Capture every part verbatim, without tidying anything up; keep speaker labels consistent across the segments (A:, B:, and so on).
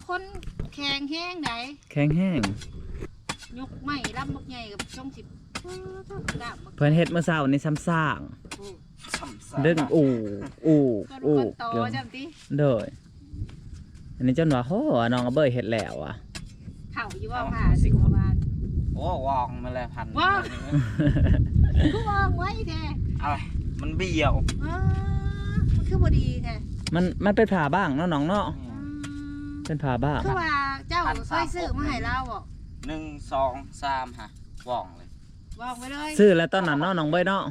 A: คนแข็งแห้งไหน
B: แข็งแห้ง
A: ยกไม้ลำบักใหญ่กับช่องสิบ
B: เพิ่นเฮ็ดเมื่อเช้านี้ซ้ำซากเดินอู่อู่อู่
A: ต่อจำติ
B: เด้ออันนี้จนว่าโหน้องเอาเบยเฮ็ดแล้วอ่ะ
A: เข่าอยู่ว่าผ่าสิบกว่าบาท
C: โอ้วองมาเลยพัน
A: วองกูวองไว้แท้
C: อะไรมันเบี้ยว
A: มันคือบ่ดีแท้
B: มันมันเป็นผ่าบ้างเนาะน้องเนาะเป็นผ่าบ้าง
A: คือว่าเจ้าเคยซื้อมาให้เราบอก
C: หนึ่งสองสามฮะวองเล
A: ยวองไปเลย
B: ซื้อแล้วตอนนั้นเนาะน้องเบยเนาะ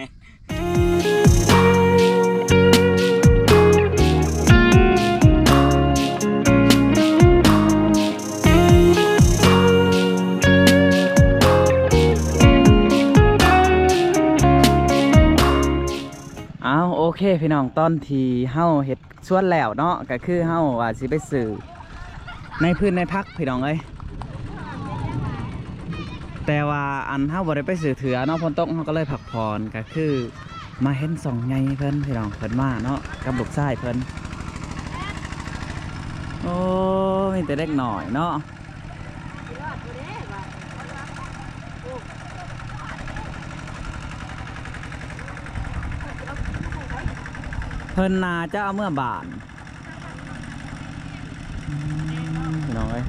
B: เอาโอเคพี่น้องตอนที่เฮาเฮ็ดสวนแล้วเนาะก็คือเฮาว่าสิไปซื้อในพื้นในพักพี่น้องเอ้ยแต่ว่าอันเฮาบ่ได้ไปซื้อเถือเนาะฝนตกเฮาก็เลยพักผ่อนก็คือมาเห็นสองใหญ่เพิ่นพี่น้องเพิ่นมาเนาะกับลูกชายเพิ่นโอ้มีแต่เด็กหน่อยเนาะเพิ่นนาจะเอาเมื่อบานพี่น้องเอ้ย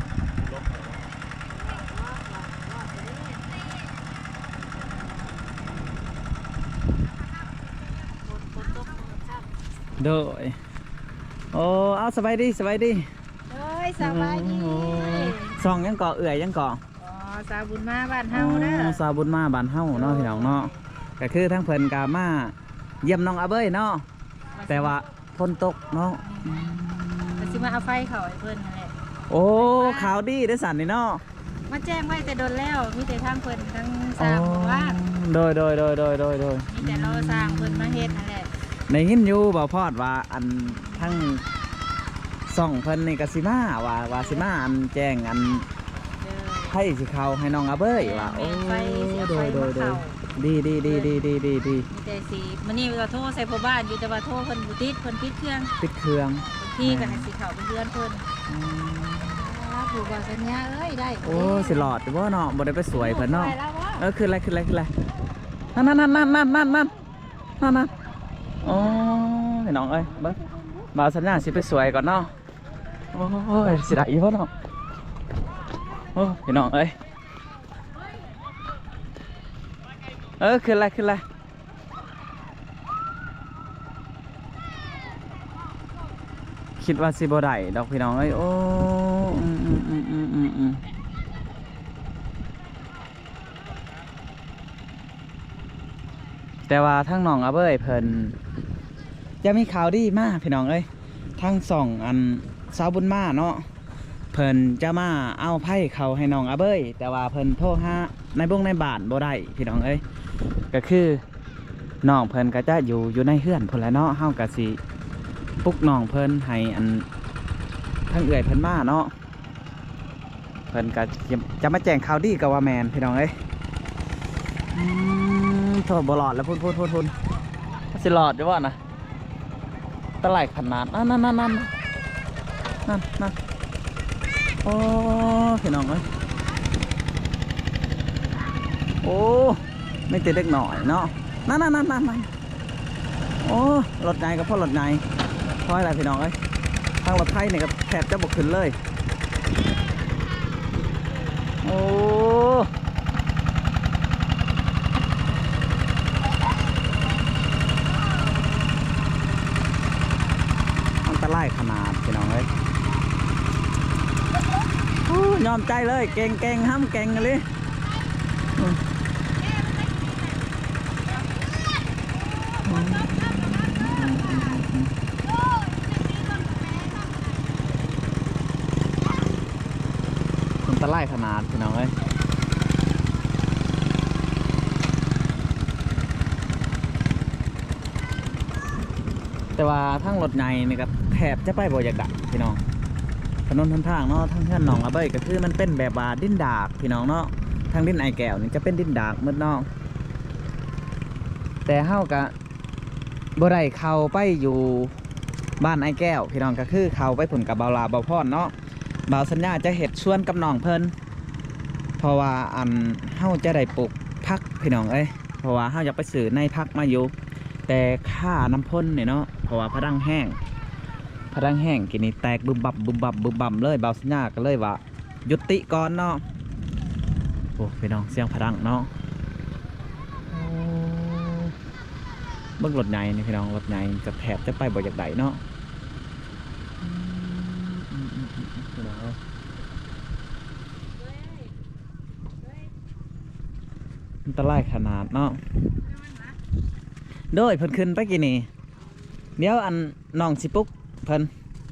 B: โดยโอ้เอาสบายดีสบายดี
A: เฮ้ยสบายดี
B: ซองยังเกาะเอื่อยยังเกาะ
A: อ๋อสาบุญมาบ้านเฮาเด้อ
B: สาบุญมาบ้านเฮาเนาะพี่น้องเนาะก็คือทั้งเพิ่นกามาเยี่ยมน้องอาเบ้ยเนาะแต่ว่าฝนตกเนาะ
A: ก็สิมาเอาไฟเขาให้เพิ่นนั่นแหละ
B: โอ้ข่าวดีได้สั่นนี่เนาะ
A: มาแจ้งไว้แต่โดนแล้วมีแต่ทางเพิ่นทั้งสร้างบ้าน
B: โดยโดยโดยโดยโดยโดย
A: มีแต่เราสร้างเพิ่นมาเฮ็ดนั่นแหละ
B: ในหินอยู่บ่พอดว่าอันทั้งส่องเพิ่นนี่ก็สิมาว่าว่าสิมาอันแจ้งอันให้สิเขาให้น้องอาเบ้ยว่าโอ้โดยโดยโดยดีดีดีดีดีดีดี
A: มีแต่สีมันนี่เราโทรใส่พ่อบ้านอยู่แต่ว่าโทรเพิ่นบ่ติดเพิ่นปิดเครื่อง
B: ปิดเครื่อง
A: พี่ก็ให้สิเขาเป็นเดือนเพิ่นผูกบ่สัญญาเอ้ยได้
B: โอ้สิหลอดบ่เนาะบ่ได้ไปสวยเพิ่นเนาะเออคืออะไรคืออะไรคืออะไรนั่นนั่นนั่นนั่นนั่นนั่นนั่นนั่นโอ้พี่น้องเอ้ยเบิ่งบ่าวสัญญาสิไปสวยก่อนเนาะโอ้ยสิได้อีบ่เนาะโอ้พี่น้องเอ้ยเออคืออะไรคืออะไรคิดว่าสิบ่ได้ดอกพี่น้องเอ้ยโอ้อืมอืมอืมอืมอืมอืมแต่ว่าทั้งน้องอาเบ้ยเพิ่นจะมีข่าวดีมากพี่น้องเอ้ยทั้งสองอันสาวบุญมาเนาะเพิ่นจะมาเอาไพ่เขาให้น้องอาเบ้ยแต่ว่าเพิ่นโทรหาในบ้งในบ้านบ่ได้พี่น้องเอ้ยก็คือน้องเพิ่นก็จะอยู่อยู่ในเฮือนพุ่นแหละเนาะเฮาก็สิปลุกน้องเพิ่นให้อันทั้งเอื่อยเพิ่นมาเนาะเพิ่นก็จะมาแจ้งข่าวดีกับว่าแมนพี่น้องเอ้ยอืมโทษบ่หลอดแล้วพุ่นพุ่นพุ่นพุ่นสิหลอดอยู่ว่านะตะไลขนาดนั่นนั่นนั่นนั่นนั่นนั่นโอ้พี่น้องเอ้ยโอ้ไม่ติดเล็กหน่อยเนาะนั่นนั่นนั่นนั่นโอ้รถไงกับพ่อรถไงเพราะอะไรพี่น้องเอ้ยทางรถไทยเนี่ยก็แทบจะบกขึ้นเลยโอ้มันตะไลขนาดพี่น้องเอ้ยยอมใจเลยเก่งเก่งห้ามเก่งเลยมันตะไลขนาดพี่น้องเอ้ยแต่ว่าทั้งรถไงนี่ก็แทบจะไปบ่อยากดักพี่น้องถนนทนทางเนาะทั้งเพื่อนหนองอาเบ้ยก็คือมันเป็นแบบว่าดินดากพี่น้องเนาะทางดินไอแก้วนี่จะเป็นดินดากมืดเนาะแต่เฮากะบ่ได้เข้าไปอยู่บ้านไอ้แก้วพี่น้องก็คือเขาไปผุ่นกับเบาลาเบาพรเนาะเบาสัญญาจะเห็ดชวนกับน้องเพิ่นเพราะว่าอันเฮาจะได้ปลูกพักพี่น้องเอ้ยเพราะว่าเฮาอยากไปซื้อในพักมาอยู่แต่ค่าน้ำพ่นเนี่ยเนาะเพราะว่าพะดังแห้งพะดังแห้งกินนี่แตกบึมบับบึมบับบึมบับเลยเบาสัญญาก็เลยว่ายุติก่อนเนาะโอ้พี่น้องเสียงพะดังเนาะเบิ่งรถใหญ่นี่พี่น้องรถใหญ่จะแถบจะไปบ่อยากใดเนาะอันตรายขนาดเนาะโดยเพิ่นขึ้นไปกี่นี่เดี๋ยวอันน้องสิปุ๊กเพิ่น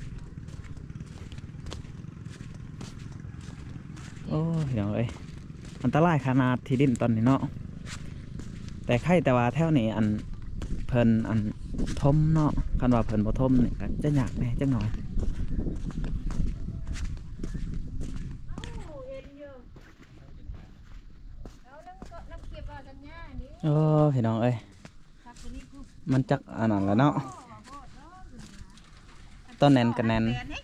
B: โอ้ยพี่น้องเอ้ยอันตรายขนาดที่ดินตอนนี้เนาะแต่ใครแต่ว่าแถวนี้อันเพิ่นอันทมเนาะคันว่าเพิ่นบ่ทมนี่ก็จะยากแหน่จังหน่อยโอ้พี่น้องเอ้ยมันจักอันนั้นแล้วเนาะต้นแนนกันแนน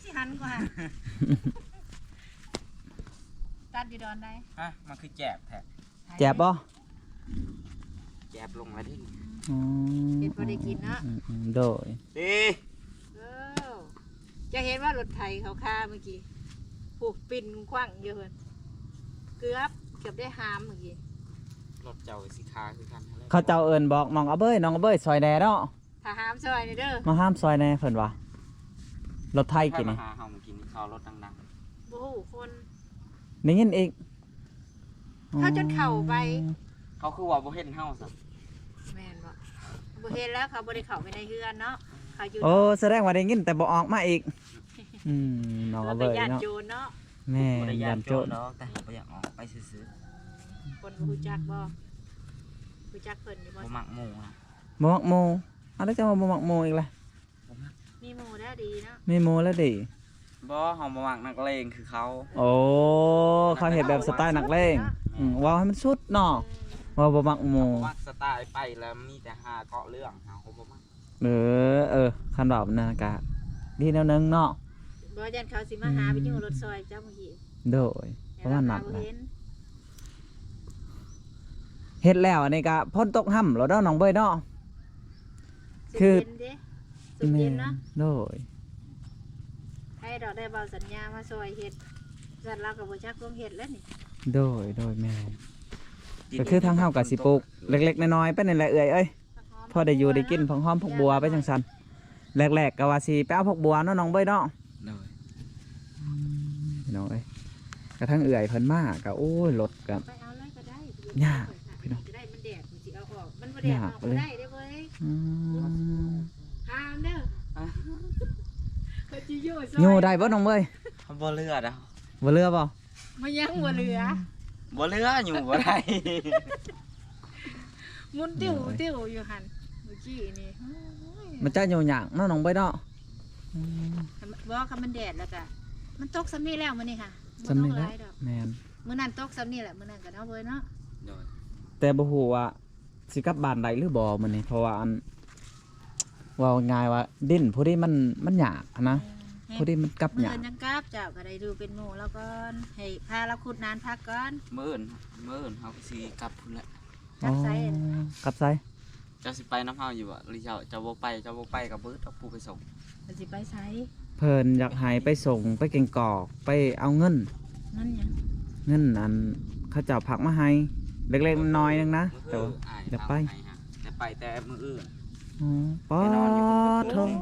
A: ตัดอยู่ดอนได้
C: ฮะมันคือแจบแท้
B: แจ็บบ่
C: แจบลงมาที่
B: อืม
A: เห็นพอได้กินเนาะ
B: อืมอืมโดย
C: ดี
A: เออจะเห็นว่ารถไถเขาฆ่าเมื่อกี้ผูกปิ่นคว้างเยอะเกือบเกือบได้หามเมื่อกี้
C: รถเจ้าสีคาคือกันอะไร
B: เขาเจ้าเอิญบอกน้องเอาเบ้ยน้องเอาเบ้ยซอยแหน่เนาะ
A: ถ้าหามซอยนี่เด้อ
B: มาห้ามซอยแหน่เพิ่นว่ะรถไทย
C: ใคร
B: กิน
C: มา
B: นี่
C: หาเฮามากินนี่เขารถดัง
A: โอ้โหคน
B: ได้ยินอีก
A: เขาจนเข่าไป
C: ๆเขาคือว่าบ่เห็นเฮาซะ
A: แม่นบ่บ่เห็นแล้วเขาบ่ได้เข้าไปในเฮือนเนาะเขาอยู่
B: โอ้แสดงว่าได้ยินแต่บ่ออกมาอีกอืมน้อง
A: เรา
B: เอา
A: ไป
B: เบ้ย
A: ญาติ
B: เนาะ
A: โจรเนาะ
B: แม่
C: บ่ได้
B: ยั
C: ยาน
B: น
C: โจ
B: โจ
C: ร
B: ร
C: เนาะแต่เขาบ่อยากออกไปซื้อ
A: คนบ่รู้จักบ่รู้จักเพิ่นอยู่
C: ๆ
A: บ่
C: บ่มักหมู่นะ
B: บ่มักโมเอาแล้วจะมาบ่มักโมอีกล่ะ
C: บ่มัก
A: มีหมู่ได้ดีเนาะ
B: ไม่โมแล้วดิ
C: บ่เฮาบ่มักนักเลงคือเขา
B: โอ้เขาเห็นแบบสไตล์นักเลงอืมว้าวให้มันสุดเนาะว่าบ่มักโม
C: บ่มักสไตล์ไปแล้วมีแต่หาเกาะเรื่องเฮาบ่มัก
B: เออเออคันแบบนั้นก็ดีแนวนึงเนาะ
A: บ่ยันเขาสิมาหาไปอยู่รถซอยเจ้าเมื่อกี้
B: โดยเพราะว่าหนัก
A: บ่
B: นะ
A: เห็น
B: เฮ็ดแล้วอันนี้ก็พ่นตกห่ำแล้วเนาะน้องเบ้ยเนาะ คือ
A: สุดเย็นเด้สุดเย็นเนาะ
B: โดย
A: ให้ดอกได้เบาสัญญามาซอยเฮ็ดจัดเราก็บ่จักลงเฮ็ดแล้วนี่
B: โดยโดยแม่ก็คือทางเฮากับสิปลูกเล็กๆน้อยๆไปนี่แหละเอ้ยเอ้ยพอได้อยู่ได้กินผักหอมผักบัวไปจังซั่นแรกๆก็ว่าสิไปเอาผักบัวเนาะน้องเบ้ยเนาะ
C: เลย
B: พี่น้องเอ้ยกระทั่งเอื่อยเพิ่นมาก็โอ้ยรถก็
A: ไปเอาเลยก็ได้
B: ยากพี่น้อง
A: จะได้มันแดดมันสิเอาออกมันบ่แดด
B: ยา
A: อก อก
B: เลย
A: ได้เด้อเว้ย
B: อืม
A: ห้ามเด้อเขาสิอยู่ซอย
B: อยู่ได้บ่น้องเบ้ย
C: เขาบ่เลือดอ่ะ
B: บ่เรือบ่
A: มันยังบ่เหลือ
C: บ่เลืออยู่บ่ได้
A: มุนติ้วติ้วอยู่หั่นเมื่อกี้นี่โอ้ย
B: มันจะอยู่หยังเนาะน้องเบ้ยเนาะอืม
A: บ่คันมันแดดแล้วก็มันตกซ้ำนี้แล้วมื้อนี้ค่ะบ่
B: สำ
A: ต้อ
B: นึ
A: ง
B: ก
A: ห
B: แล้ว
A: ลายดอก
B: แม่น
A: มื้อนั้นตกซ้ำนี้แหละมื้อนั้นก็เนาะเว้ยเนาะ
C: เลย
B: แต่บ่ฮู้ว่าสิกลับบ้านได้หรือบ่มื้อนี้เพราะว่าอันเว่าง่ายว่าดินผู้ที่มันมันยากอะนะผู้ที่มันกลับ
A: มื้อย
B: าก
A: อื่นจังกลับเจ้าก็ได้ดูเป็นหมู่แล้วก่อนให้พาเราขุดนานพักก่อน
C: มื้ออื่นมื้ออื่นเฮาก็สิกลับพุ่นแหละ
A: กลับไส
B: อ๋อ กลับไส
C: เจ้าสิไปน้ำเฮาอยู่บ่หรือเจ้าเจ้าบ่ไปเจ้าบ่ไปกับเบิดเอาผู้ไปส่ง
A: มันสิไปไส
B: เพิ่นอยากให้ไปส่งไปเก่งกอกไปเอาเงิน
A: นั่นหยัง
B: เงินอันเขาเจ้าผักมาให้เล็กๆน้อยๆนึงนะแต่ว่า
C: อ้
B: อยากไป
C: เให้ฮะแต่ไปแต่มื้ออื่น
B: อ๋อป๊อดโทง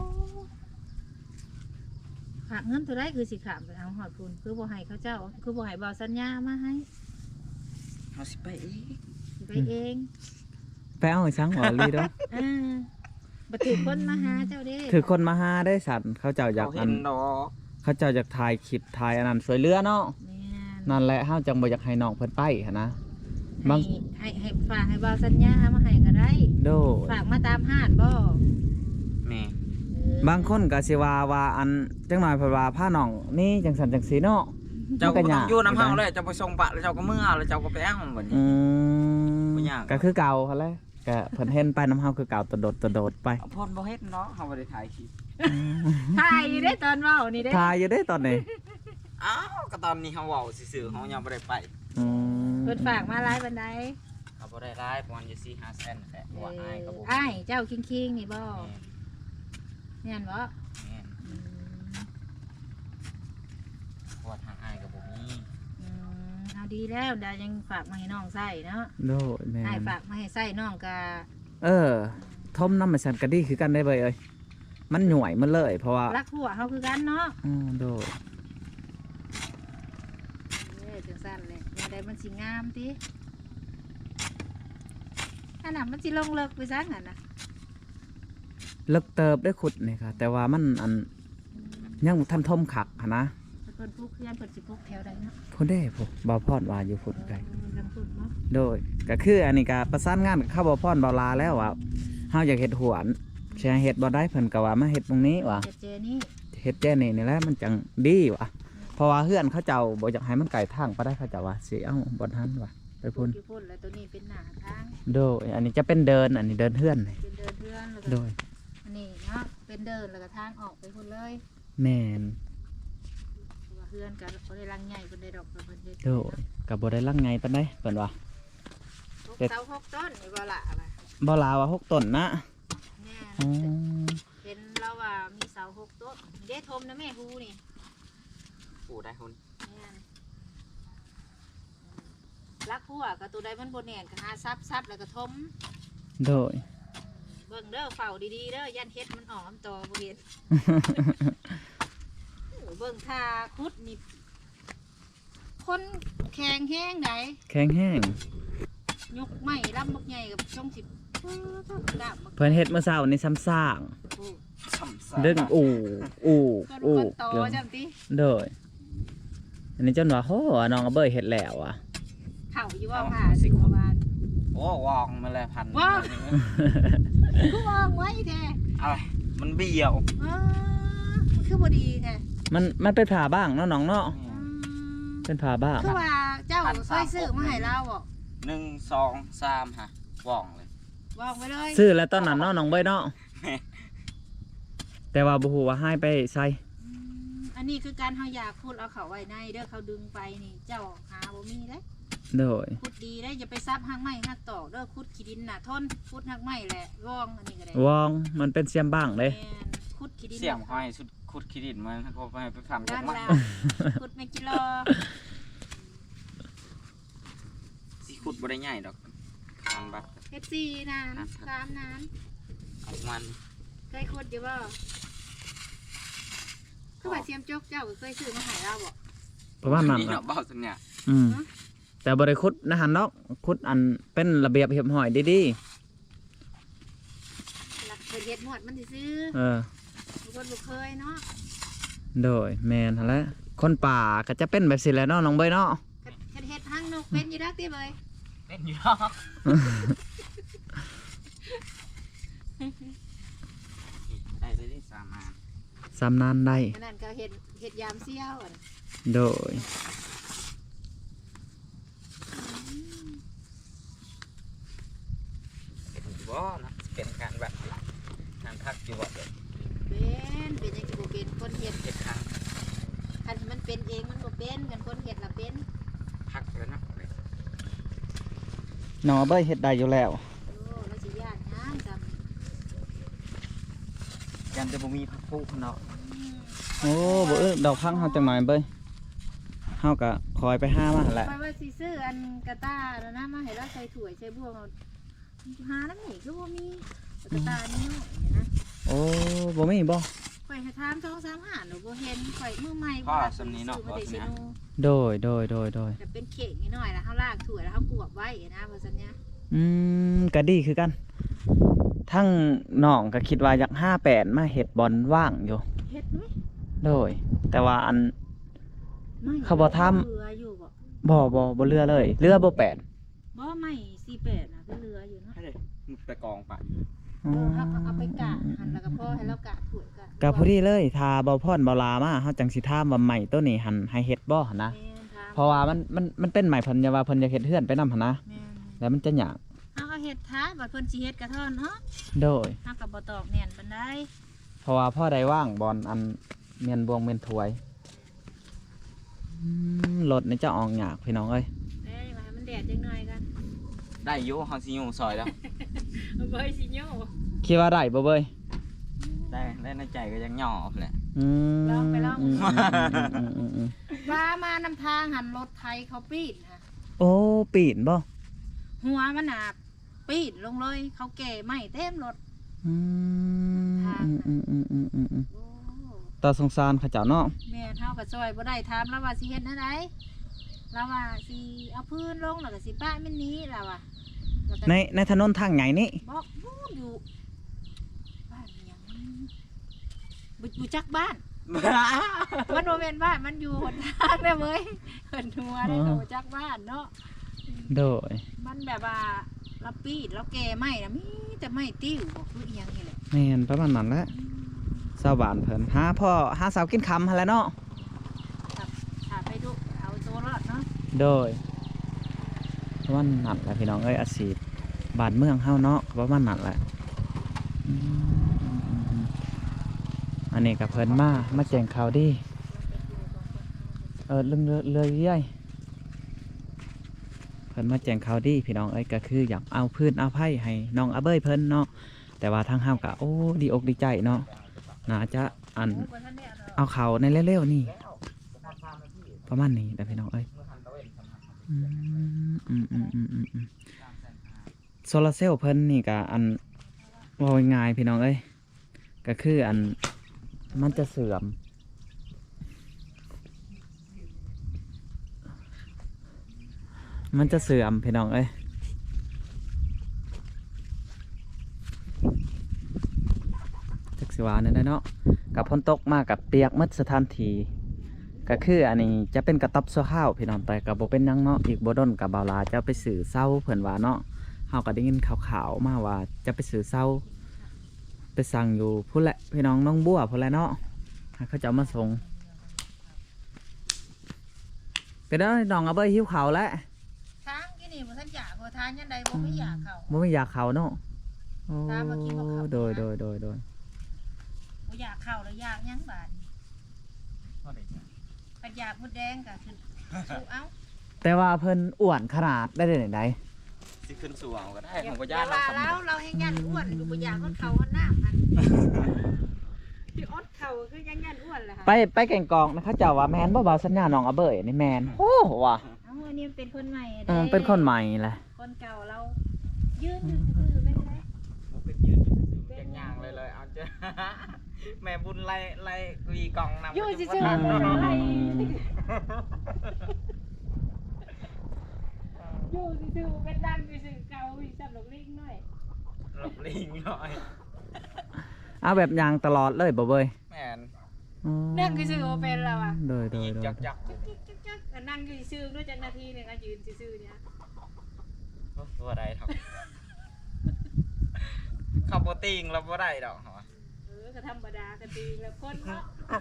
A: ฝากเงินตัวได้คือสิขามไปเอาหอดพุ่นคือบ่ให้เขาเจ้าคือบ่ให้บ่สัญญามาให้
C: เฮาสิไปเอง
A: สิไปเอง
B: ไปเอาให้สังหอลีเด้อ
A: อ่าบ่ถือคนมาหาเจ้าเด้
B: คือคนมาหาได้สัตว์เขาเจ้าอยาก
C: เขา
B: อั
C: เห็
B: น
C: นดอก
B: เขาเจ้าอยากถ่ายคลิปถ่ายอันนั้นสวยเรือเนาะ
A: แม่น
B: นั่นแหละเฮาจังบ่อยากให้น้องเพิ่นไปหันนะ บาง
A: ให้ให้ให้ฝากให้บ่สัญญามาให้ก็ได้
B: โดย
A: ฝากมาตามห้านบ่
C: แม่
A: เออบ
B: างคนก็สิว่าว่าอันจังหน่อยเพิ่นว่าพาน้องนี่จังสันจังสีเนาะ
C: เจ้าก็บ่
B: มันก็
C: ต้
B: ยา
C: อก งอยู่น้ำเฮาเลยเจ้าไปส่งปะแล้วเจ้าก็เมื่อแล้วเจ้าก็ไปเอาบัดนี้
B: อืม
C: บ่ยาก
B: ก็คือเก่าหั่นแหละก็เพิ่นเห็นไปน้ำเฮาคือเก่าตะโดดตะโดดไป
C: เอาพ่นบ่เฮ็ดเนาะเฮาบ่ได้ถ่ายคลิป
A: ถ่ายอยู่ได้ตอนเว้านี่เด้
B: ทายอยู่ได้ตอนนี้
C: อ้าวก็ตอนนี้เฮาเว้าซื่อๆเฮายังบ่ได้ไป
B: อืม
A: เพิ่นฝากมาหลายปานใด
C: เขาบ่ได้รายประมาณอยู่ สี่ห้า แสนแหละว่าอ้ายก็บ่
A: อ้ายเจ้าคิงๆนี่บ่
C: แม่น
A: แม่นบ่
C: แม่น
A: อืม
C: เพราะว่าทางอ้ายก็บ่มี
A: อืมเอาดีแล้วดายังฝากมาให้น้องใส่เนาะ
B: โดยแม่
A: อ้าย
B: น
A: ฝากมาให้ใส่น้องก็
B: เออทมน้ำมันสันกะดีคือกันได้เบยเอ้ยมันหน่วยมันเลยเพราะว่า
A: รักหัวเฮาคือกันเนาะ
B: อืมโดย
A: เอ้ยจังซั่นแหละแนวใดมันสิงามติอันน่ะมันสิลงเลิกไปซักนั่นน่ะ
B: เลิกเติบได้ขุดนี่ค่ะแต่ว่ามันอันยังบ่ทันทมขักหั้นนะ
A: เพิ่นปลูกเพื่อนเพิ่นสิปลูกแถวใดเนาะ
B: พุ่นเด้พวกบ่าวพรว่าอยู่พุ่นไกล
A: เออทางพุ่นเนาะ
B: โดยก็คืออันนี้ก็ประสานงานกับข้าวบ่าวพรบ่าวลาแล้วว่าเฮาอยากเฮ็ดหวนแชร์เฮ็ดบ่ได้เพิ่นก็ว่ามาเฮ็ดตรงนี้ว่ะ
A: เจเจนี่
B: เฮ็ดแจ้นี่นี่แหละมันจังดีว่ะเพราะว่าเฮือนเขาเจ้าบ่อยากให้มันไกลทางไปได้เขาเจ้าว่าสิเอ้าบ่ทันว่ะไปพุ่น
A: อยู่พุ่นแล้วตัวนี้เป็นหน้าทาง
B: โดยอันนี้จะเป็นเดินอันนี้เดินเฮือนนี่
A: เป็นเดินเพื่อนแล้วก็
B: โดย
A: อันนี้เนาะเป็นเดินแล้วก็ทางออกไปพุ่นเลย
B: แม่น
A: เพราะว่าเพื่อนก็บ่ได้รังใหญ่เพิ่นได้ดอกเพิ่นเฮ็ด
B: โดยก็บ่ได้ลังไงปานใดเพิ่นว่า
A: หกเสาหกต้นนี่บ่ละว่ะ
B: บ่ลาว่าหกต้นนะ
A: แม่
B: อ๋อ
A: เห็นแล้วว่ามีเสาหกต้นเด้ทมนะแม่ฮูนี่
C: ปู่ได้หุ่น
A: แม่นรักหัวก็ตัวใดมันบ่แน่นก็หาซับซับแล้วก็ทม
B: โดย
A: เบิ่งเด้อเฝ้าดีๆเด้อยันเฮ็ดมันออกน้ำตอบ่เห็น เบิ่งท่าคุดนี่คนแข็งแห้งได
B: แข็งแห้ง
A: ยกไม้ลำบักใหญ่กับช่องสิบเออถ้ากะบัก
B: เพิ่นเฮ็ดเมื่อเช้านี่ซ้ำซาก
A: โอ้
C: ซ้ำซาก
B: ดึงอู่อู่
A: ก้น
B: อู่
A: ก้นโตจังติ
B: โดยอันนี้จนว่าโหน้องก็เบิ่เฮ็ดแล้วอ่ะ
A: เข่าอยู่ว่าผ่าสิกว่าบาท
C: โอ้วองมาแล้วพัน
A: ว้าว คือวางไว้แท้
C: อะไรมันเบี้ยว
A: เออมันคือบ่ดีแท้
B: มันมันเป็นผ่าบ้างเนาะน้องเนาะ
A: อืม
B: เป็นผ่าบ้าง
A: คือว่าเจ้าเคยซื้อมาให้เราบ่
C: หนึ่งสองสามฮะว่องเลย
A: วางไว้เลย
B: ซื้อแล้วตอนนั้นเนาะน้องเบิ่เนาะแต่ว่าบ่ฮู้ว่าให้ไปใส่
A: อืมอันนี้คือการเฮาอยากพูดเอาเขาไว้ในเด้อเขาดึงไปนี่เจ้าหาบ่มีเด้
B: โดย
A: ขุดดีได้อย่าไปซับหักไม้หักตอกเด้อขุดขี้ดินน่ะทนขุดหักไม้แหละร่องอันนี้ก็ได้
B: วองมันเป็นเสียมบ้างเด้
A: แม่นขุดขี้ดิน
C: เสียมห้อยสุดขุดขี้ดินมันเขาไปไปทำจา
A: ด้าก น
C: มัน
A: แล้วขุดไม่กิโล
C: สิขุดบ่ได้ใหญ่ดอกทางบัด
A: เฮ็ดสี่น้ำสามน้
C: เอามัน
A: ำเคยขุดอยู่บ่คือว่าเสียมจกเจ้าก็เคยซื้อมาให้เราบ่
B: ประมาณนั้น
C: นี่
B: เนาะ
C: เนาะเบาสัญญา
B: อืมแต่บ่ได้ขุดนะหันเนาะขุดอันเป็นระเบียบเรียบร้อยดี
A: หลักเพิ่นเฮ็ดหมดมันสิซื้อ
B: ๆเออ
A: ทุกคนบ่เคยเนาะ
B: โดยแม่นหั่นแหละคนป่าก็จะเป็นแบบสิแหละเนาะน้องเบิ่เนาะ
A: เฮ็ดเฮ็ดหางนกเป็นอยู่ดักติเบย
C: เป็นอยู่ดอกได้ได้ได้สามอัน
B: สำนานได้
A: อันนั้นก็เฮ็ดเฮ็ดยามเสี่ยวอะ
B: โดย
C: เป็นอยู่บ่นะเป็นการแบบงานพักอยู่บ่เด็ก
A: เป็นเป็นจังสิบ่เป็นคนเฮ็ด
C: เจ็ดครั้ง
A: คันมันเป็นเองมันบ่เป็นกันคนเฮ็ดล่ะเป็น
C: พักแล้วเนาะ
B: น้องเบิ่เฮ็ดได้อยู่แล้ว
A: โอ้แล้วสิย่านหยังจำ
C: ยันจะบ่มีพักผู้เนาะ
B: โอ้บ่เอ้อดอกพังเฮาจังหน่อยเบิ่เฮาก็คอยไปหามาหั่นแหละ
A: ไปว่าสิซื้ออันกระตาแล้วนะมาให้เราใส่ถ้วยใส่บ่วงเอาหาแล้วนี่คือบ่มีกระตานี่น้อยนะ
B: โอ้บ่มีบ่
A: ข่อยให้ถามสองสามหาหนูบ่เห็นข่อยมือใหม่
C: พ่อ
A: บ่
C: สำนี้เนาะ
A: ซื้อ
C: พ่อ
A: มาได้
C: สำ
A: ซิ
C: นี้
A: โน
B: โดยโดยโดยโดย
A: แต่เป็นเข่งนิดหน่อยแล้วเฮาลากถ้วยแล้วเฮากวบไว้นะว่าซั่นเนี่ย
B: อืมก็ดีคือกัน ทั้งน้องก็คิดว่าอยากห้าแปดมาเฮ็ดบอลว่างอยู่
A: เฮ็ดไหม
B: โดย แต่ว่าอัน
A: ไม่
B: เขาบ่ทำ
A: เรืออยู่บ่
B: บ่บ่บ่เรือเลย เรือบ่แปด
A: บ่ไม่สี่แปดน่ะคือเรืออยู่เนาะ
C: ให้เลยมึงไปกองปะ
A: เออเฮาก็เอาไปกะหั่นแล้วก็พอให้เรากะถ้วยกะ
B: ก็พอดีเลยถ้าบ่พรบ่ลามาเฮาจังสิถามว่าใหม่ตัวนี้หันให้เฮ็ดบ่หั่นนะ
A: แม่นถาม
B: เพราะว่ามันมันมันเป็นใหม่เพิ่นอย่าว่าเพิ่นอยากเฮ็ดเฮือนไปนำหั่นนะ
A: แม่น
B: แล้วมันจะยาก
A: เฮาก็เฮ็ดท้าบัดเพิ่นสิเฮ็ดกระท่อนเนาะ
B: โดย
A: เฮาก็บ่ตอกแน่นปานใด
B: เพราะว่าพ่อได้ว่างบอลอันเมียนบวงเมียนถวยอืมรถนี่จะออกหยากพี่น้องเอ้ย
A: เอ้ยมามันแดดจังหน่อยกัน
C: ได้อยู่เฮาสิอยู่ซอยแล้ว
A: เอาไปสิโย
B: คิดว่าได้บ่เบ้ย
C: ได้ได้ในใจก็ยังย่อแหละ
B: อืม
A: ลองไปลอง
B: อืมอืมอืมอืมอืม
A: ว่ามานำทางหันรถไทยเขาปีนค่ะ
B: โอ้ปีนบ่
A: หัวมันหนาปีนลงเลย เขาแก่ไม่เต็มรถ
B: อืม
A: ทาง
B: อืมอืมอืมอืมอืม
A: โอ้
B: ตาสงสารเขาเจ้าเนาะ
A: แม่เท่ากับซอยบ่ได้ถามแล้วว่าสิเฮ็ดแนวใดแล้วว่าสิเอาพื้นลงแล้วก็สิป้ามันหนี้แล้วว่าแล้วก็
B: ในในถนนทางใหญ่นี่
A: บอกนู่นอยู่บ้านหยังบุบุจักบ้าน มันโมเมนบ้านมันอยู่หนทางได้เว้ยเหินหัวได้ก็บ่จักบ้านเนาะ
B: โดย
A: มันแบบว่าเราปีดเราแก่ไม่นะมีแต่ไม่ติ้วบ่คืออีหยังนี่แหละ
B: แม่นประมาณนั้นแหละชาวบ้านเพิ่นหาพ่อหาสาวกินคำหั่นแหละเนาะ
A: ครับถ้าไปดูเอาตัวรอดเนาะ
B: โดยประมาณนั้นแหละพี่น้องเอ้ยอาชีพบ้านเมืองเฮาเนาะก็ประมาณนั้นแหละอืมอันนี้กับเพิ่นมามาแจ้งข่าวดีเออเรื่องเรือเรือเรื่อยเพิ่นมาแจ้งข่าวดีพี่น้องเอ้ยก็คืออยากเอาพื้นเอาไผ่ให้น้องอาเบ้ยเพิ่นเนาะแต่ว่าทางเฮาก็โอ้ดีอกดีใจเนาะน่าจะอัน
A: โอ้บ่ทันได้เอาดอก
B: เอาเขาในเร็วๆนี่ประมาณนี้แต่พี่น้องเอ้ยอืมอืมอืมอืมอืมอืมโซลาร์เซลล์เพิ่นนี่ก็อันว่าง่ายๆพี่น้องเอ้ยก็คืออันมันจะเสื่อมมันจะเสื่อมพี่น้องเอ้ยจักสิวาเนี่ยได้เนาะกับพ้นตกมากับเปียกหมัดสถานทีก็คืออันนี้จะเป็นกระต๊อบชั่วข้าวพี่น้องแต่กับโบเป็นหยังเนาะอีกโบดนกับบาวลาจะไปสื่อเศร้าเผื่อนว่าเนาะเฮาก็ได้ยินข่าวๆมาว่าจะไปสื่อเศร้าไปสั่งอยู่พุ่นแหละพี่น้องน้องบัวพุ่นแหละเนาะให้เขาจะเอามาส่งก็ได้น้องเอาไปหิวเขาวแล้ว
A: ทางกินนี่บ่ทันอยากบ่ทานยันใดบ่ไม่อยากเข้า
B: บ่ไม่อยากเขาเนาะโอ้
A: ตามมากินบ่เข้า
B: โดยโดยโดยโดย
A: บ่อยากเข้าแล้วอยากหยังบาดนี้ก็อยากมดแดงก็คือสู้เอา
B: แต่ว่าเพิ่นอ้วนขนาดได้ได้ไหน
C: สิขึ้นสู่เอาก็ได้
A: อย่า
C: ของบ่
A: อย่า
C: ย่านเรา
A: ว่า
C: สำ
A: แล้วเราให้ยันอ้วนอยู่บ่อยากอดเข่าอดน้ำมันที่อดเข่าคือยังยันอ้วนแหละค่ะ
B: ไปไปแก่งกองนะเขาเจ้าว่าแมนบ่เบาสัญญาน้องอาเบยนี่แมนโอ้ว่ะ
A: เอาอันนี้เป็นคนใหม่
B: เออเป็นคนใหม่แหละ
A: คนเก่าเรายืนอยู่ซื่อๆไม่ได้
C: บ่เป็นยืนอยู่ซื่อๆเป็นย่างเลยเลยเอาเจ้า แม่บุญไล่ไล่วีกองนำ
A: อยู่
C: ไป
A: ซื่
C: จั
A: อง
C: หวัด
A: ๆไม่ได้อยู่ซื่อๆเป็นดังซื่อๆเก่าอีสำหรับลิงหน่อย
C: หลบลิงหน่อย
B: เอาแบบยางตลอดเลยบ่เบย
C: แม่น
B: อ๋อ
A: นั่งซื่อๆบ่เป็นแล้วอ่ะ
B: โดยโดย
C: ยิง
B: โดย
C: จักจัก
A: จักๆๆก็นั่งอยู่ซื่อๆด้วยจักนาทีหนึงอ่ะยืนซื่อๆเนี่ย
C: ตัวใดครับ ขับบ่ติงเราบ่ได้ดอกเหรอ
A: เออก็ธรรมดาก็ตีแล้วคนเนาะ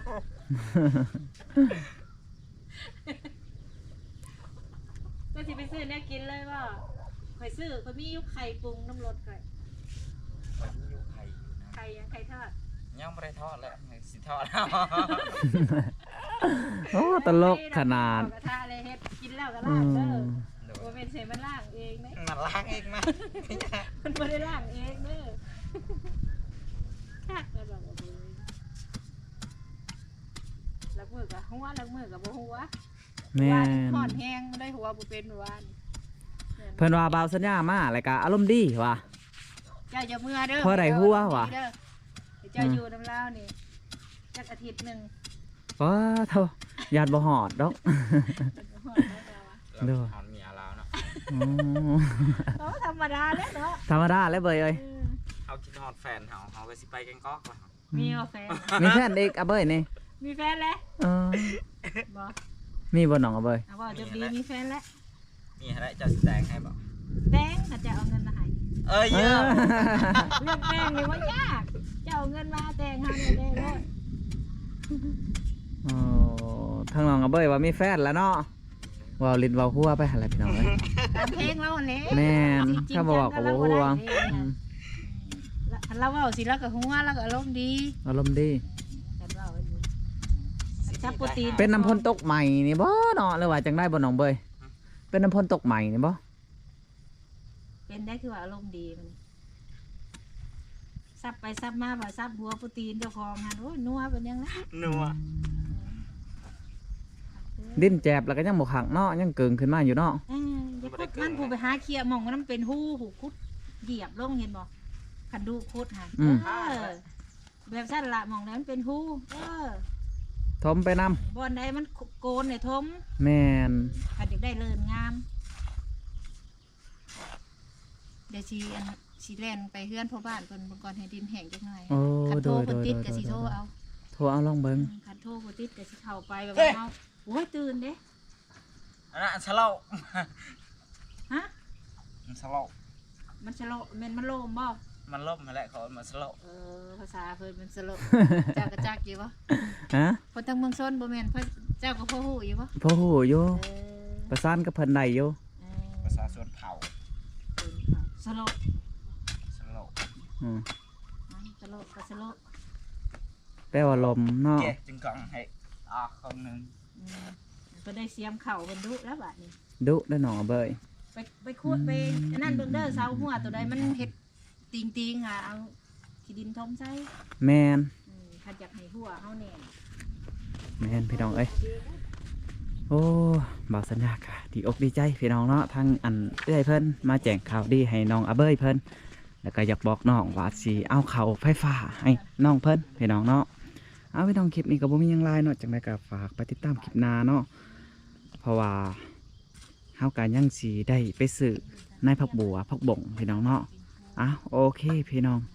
A: ก็สิไปซื้อเนี่ยกินเลยว่าข่อยซื้อข่อยมียุคไข่ปรุงน้ำรสข่อย
C: วันนี้อยู่ไข่อยู่นะ
A: ไข่ยังไข่ทอด
C: ยังไม่ได้ทอดเลยสิทอดแล้ว
B: โอ้ตลกขนาด
A: กระทะเลยเฮ็ดกินแล้วก็
B: อื
A: ล้างเด้อ
B: ม
C: โด
A: บ่
C: ย
A: เป็นเสมันล้างเองเด้
C: มันล้างเองนะ
A: มันบ่ได้ล้างเองเด้อคักแล้วบอกว่าเบิ่งลักมือกับหัวลักมือกับบ่หัว
B: แม่
A: วาน
B: น
A: ห่อนแห้งได้หัวบ่เป็นวาน
B: เพิ่นว่าเบาสัญญามาแล้วก็อารมณ์ดีว่ะ
A: เจ้าอย่าเมื่อเด้อ
B: เพราะอะไรหัววะ
A: เด้อเจ้าอยู่น้ำลาวนี่จักอาทิตย์หนึง
B: ว้าเท่าญาติบ่หอดดอก
A: ห่อนแล้วจ้าวะ
B: โดย
C: ทานเมียแล้วเนาะ
B: อ๋อ
A: โอ้ธรรมดาแล้วเนาะ
B: ธรรมดาแล้วเบยเอ้ย
A: เออ
C: เอากินฮอดแฟนเฮาเฮาก็สิไปแกงก๊อกว่ะ
A: มีเอาแฟน
B: มีแฟนเด็กอาเบยนี่
A: มีแฟนแล้ว
B: เออ
A: บ่
B: มีบ่น้องอาเบย
A: เอาบ่จะดีมีแฟนแล้ว
C: มีอะไรเจ้าสิแต่งให้บ่
A: แตงก็จะเอาเงินมาให้
C: เอ้ย
B: เอ
C: เยอะ
B: อ
A: เรื่องแตงนี่ว่ายากเจ้าเอาเงินมาแตงหาเงินได้เลย
B: โอ้ทางน้องอาเบยว่ามีแฟนแล้วเนาะว่าวลิ้นว่าวหัวไปหั่นแหละพี่น้องเอ้ย
A: ตามเพลงเราแหละ
B: แม่นถ้าบ่บอกก็บ่ฮู้ว่าอืม
A: ละขคันเราเว้าสิเราก็หัวเราก็อารมณ์ดี
B: อารมณ์ดี
A: คันเว้าอันนี้ซับโปรตีน
B: เป็นน้ำพ่นตกใหม่นี่บ่เนาะหรือว่าจังได้บ่น้องเบยเป็นน้ำพ่นตกใหม่นี่บ่
A: เป็นได้คือว่าอารมณ์ดีมันซับไปซับมาว่าซับหัวโปรตีนเจ้าของหันโอ้ยนัวเป็นยังไง
C: นัว
B: ดิ้นแจบแล้วก็ยังบ่ขังเนาะยังเกิงขึ้นมาอยู่เนาะ
A: เอ้ยอย่าคุดมันผู้ไปหาเคลียร์หมองว่ามันเป็นหูหูคุดเหยียบลงเห็นบ่คันดูคุดหัน
B: อืม
A: เออแบบสั้นละหมองนั้นมันเป็นหูเออ
B: ทมไปนำ
A: บอนใดมันโกนในทม
B: แม่น
A: คันอยากได้เลินงามเดี๋ยวชีอันชีแล่นไปเฮือนพ่อบ้านเพิ่นเบิ่งก่อนให้ดินแห้งจักหน่อย
B: โอ้
A: คัน
B: โด
A: โทร
B: ยโด
A: เพิ่น
B: ย
A: ติด
B: โด
A: ก็
B: ย
A: สิโทรเอา
B: โทรเอาลองเบิ่ง
A: คันโทรบ่ติดก็สิเข้าไปแบบเฮาโอ้ยตื่นเด้
C: อันนั้นสโลว์
A: ฮะ
C: มันสโลว์
A: มันสโลแม่นมันโลมบ่
C: มันล่มมาแล้วเขาเอามาสโลว์
A: เออภาษาเพิ่นมันสโลจักกะจักอยู่บ่
B: ฮะ
A: เพิ่นทางเมืองชนบ่แม่นเพิ่นเจ้าก็พ่อฮู้อยู่บ่
B: พ่อฮู้อยู่
A: เออ
B: ประสานกับเพิ่นได้อยู่
A: เอ
C: ภาษาส่วนเผา
A: อสโล
C: สโลว์
B: อืม
A: สโลก็สโล
B: แปลว่าลมเนาะ
C: เจ๊จึงกองให้ออกคนหนึ่ง
A: อืมเพิ่นได้เสียมเข่าเพิ่นดุแล้วบัดนี้
B: ดุได้หนอเบย
A: ไปไปคูดไปอันนั่นเบิ่งเด้อเสาหัวตัวใดมันเฮ็ดติงๆอ่ะเอาขี้ดินทมใส่
B: แมน
A: อืมคันอยากให้หัวเฮาแน่น
B: แมนพี่น้องเอ้ยโอ้บ่าวสัญญากะดีอกดีใจพี่น้องเนาะทางอันเอื้อยเพิ่นมาแจ้งข่าวดีให้น้องอาเบยเพิ่นแล้วก็อยากบอกน้องว่าสิเอาเข้าไฟฟ้าให้น้องเพิ่นพี่น้องเนาะเอาพี่น้องคลิปนี้ก็บ่มีหยังหลายเนาะจังได๋ก็ฝากไปติดตามคลิปหน้าเนาะเพราะว่าเฮาก็ยังสิได้ไปซื้อในผักบัวผักบ่งพี่น้องเนาะอ่ะโอเคพี่น้อง